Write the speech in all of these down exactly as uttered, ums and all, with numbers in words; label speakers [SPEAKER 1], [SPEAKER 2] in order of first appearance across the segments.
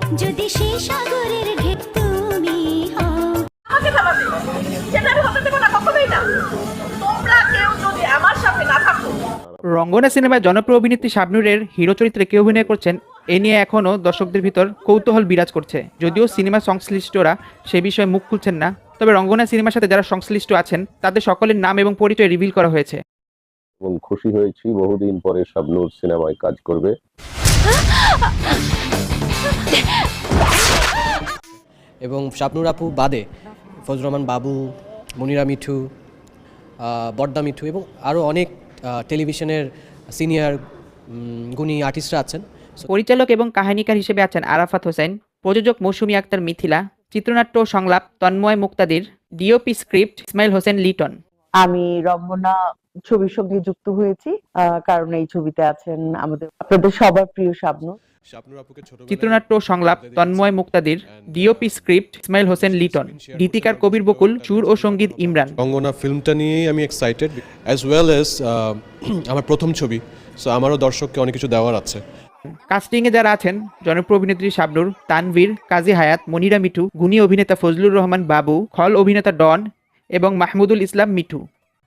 [SPEAKER 1] যদি সেই সাগরের ঢেউ তুমি হও।
[SPEAKER 2] আমাকে থামাবে সেটা আমি হতে দেবো না, কখনোই না। তোমরা কেউ যদি আমার সাথে না থাকো।
[SPEAKER 3] রঙ্গনা সিনেমায় জনপ্রিয় অভিনেত্রী শাবনূরের হিরো চরিত্রে কে অভিনয় করছেন এ নিয়ে এখনও দর্শকদের ভিতর কৌতূহল বিরাজ করছে। যদিও সিনেমা সংশ্লিষ্টরা সে বিষয়ে মুখ খুলছেন না, তবে রঙ্গনা সিনেমার সাথে যারা সংশ্লিষ্ট আছেন তাদের সকলের নাম এবং পরিচয় রিভিল করা হয়েছে।
[SPEAKER 4] এবং খুশি হয়েছি বহুদিন পরে শাবনূর সিনেমায় কাজ করবে।
[SPEAKER 5] এবং শাবনূর আপু বাদে ফজলুর রহমান বাবু, মনিরা মিঠু, বর্দা মিঠু এবং আরও অনেক টেলিভিশনের সিনিয়র গুণী আর্টিস্টরা আছেন।
[SPEAKER 3] পরিচালক এবং কাহিনীকার হিসেবে আছেন আরাফাত হোসেন, প্রযোজক মৌসুমী আক্তার মিথিলা, চিত্রনাট্য ও সংলাপ তন্ময় মুক্তাদির, ডিওপি স্ক্রিপ্ট ইসমাইল হোসেন লিটন।
[SPEAKER 6] আমি রঙ্গনা ছবির সঙ্গে যুক্ত হয়েছি কারণ এই ছবিতে আছেন আমাদের আপনাদের সবার প্রিয় শাবনূর।
[SPEAKER 3] চিত্রনাট্য ও সংলাপ তন্ময় মুক্তাদির, ডিওপি স্ক্রিপ্ট ইসমাইল হোসেন লিটন, গীতিকার কবির বকুল, সুর ও সঙ্গীত ইমরান।
[SPEAKER 7] রঙ্গনা ফিল্মটা নিয়েই আমি এক্সাইটেড, অ্যাজ ওয়েল অ্যাজ আমার প্রথম ছবি, সো আমারও দর্শককে অনেক কিছু দেওয়ার আছে।
[SPEAKER 3] কাস্টিংয়ে যারা আছেন জনপ্রিয় অভিনেত্রী শাবনূর, তানভীর, কাজী হায়াত, মনিরা মিঠু, গুণী অভিনেতা ফজলুর রহমান বাবু, খল অভিনেতা ডন এবং মাহমুদুল ইসলাম মিঠু।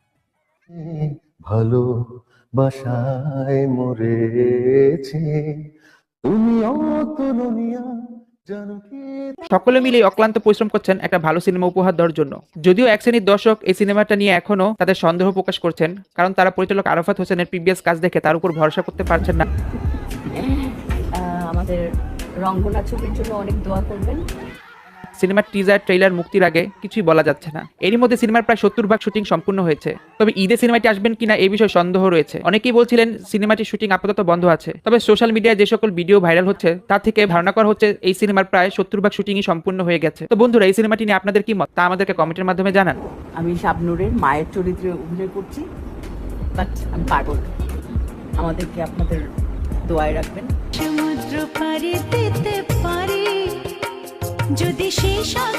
[SPEAKER 8] ভালোবাসায় মরেছে তুমি অতুলনীয় জানো কি।
[SPEAKER 3] সকলে মিলে অক্লান্ত পরিশ্রম করছেন একটা ভালো সিনেমা উপহার দেওয়ার জন্য। যদিও এক শ্রেণীর দর্শক এই সিনেমাটা নিয়ে এখনো তাদের সন্দেহ প্রকাশ করছেন, কারণ তারা পরিচালক আরাফাত হোসেনের প্রিভিয়াস কাজ দেখে তার উপর ভরসা করতে পারছেন না।
[SPEAKER 9] আমাদের রঙ্গনা ছবির জন্য অনেক দোয়া করবেন।
[SPEAKER 3] সিনেমার টিজার ট্রেইলার মুক্তির আগে কিছুই বলা যাচ্ছে না। এরই মধ্যে সিনেমার প্রায় সত্তর ভাগ শুটিং সম্পূর্ণ হয়েছে, তবে ঈদে সিনেমাটি আসবেন কিনা এই বিষয়ে সন্দেহ রয়েছে। অনেকেই বলছিলেন সিনেমাটির শুটিং আপাতত বন্ধ আছে, তবে সোশ্যাল মিডিয়ায় যে সকল ভিডিও ভাইরাল হচ্ছে তা থেকে ধারণা করা হচ্ছে এই সিনেমার প্রায় সত্তর ভাগ শুটিংই সম্পূর্ণ হয়ে গেছে। তো বন্ধুরা, এই সিনেমাটি নিয়ে আপনাদের কি মত তা আমাদেরকে কমেন্টের মাধ্যমে জানান।
[SPEAKER 2] আমি শাবনূরের মায়ের চরিত্রে অভিনয় করছি, বাট আমি পারবো না। আমাদেরকে আপনাদের দোয়ায় রাখবেন।
[SPEAKER 1] সমুদ্র পাড়ি দিতে পারি যদি সেই